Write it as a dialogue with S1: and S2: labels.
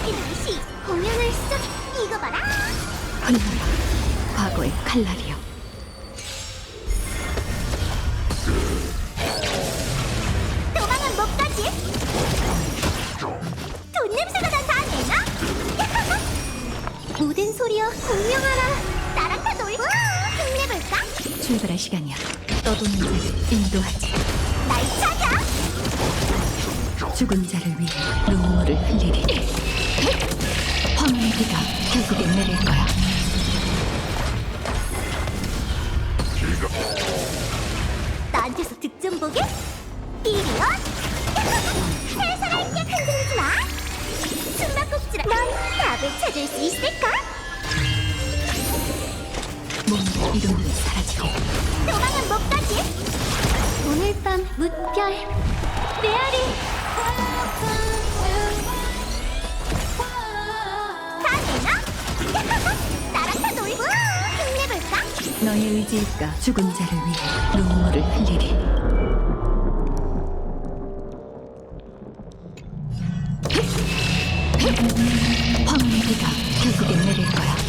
S1: 여기는 시 공연을 시작. 이거 봐라.
S2: 흘러라 과거의 칼날이여.
S1: 도망은 못 가지. 돈 냄새가 난다 내나? 모든 소리여 공명하라. 나랑 다 놀고 힘내볼까?
S2: 출발할 시간이야. 떠도는 자를 인도하지.
S1: 날 찾아.
S2: 죽은 자를 위해 눈물을 흘리리. 황혼의 비가 결국엔 내릴 거야.
S1: 나한테서 득점 보게? 이리온! 살살할게. 흔들리지 마. 숨바꼭질아. 넌 답을 찾을 수 있을까?
S2: 몸의 이름이 사라지게.
S1: 도망은 못 가지. 오늘 밤 무별 메아리. 다 되나? 나랑 다 놀고 힘내볼까?
S2: 너의 의지일까? 죽은 자를 위해 눈물을 흘리리. 황혼의 비가 결국엔 내릴 거야.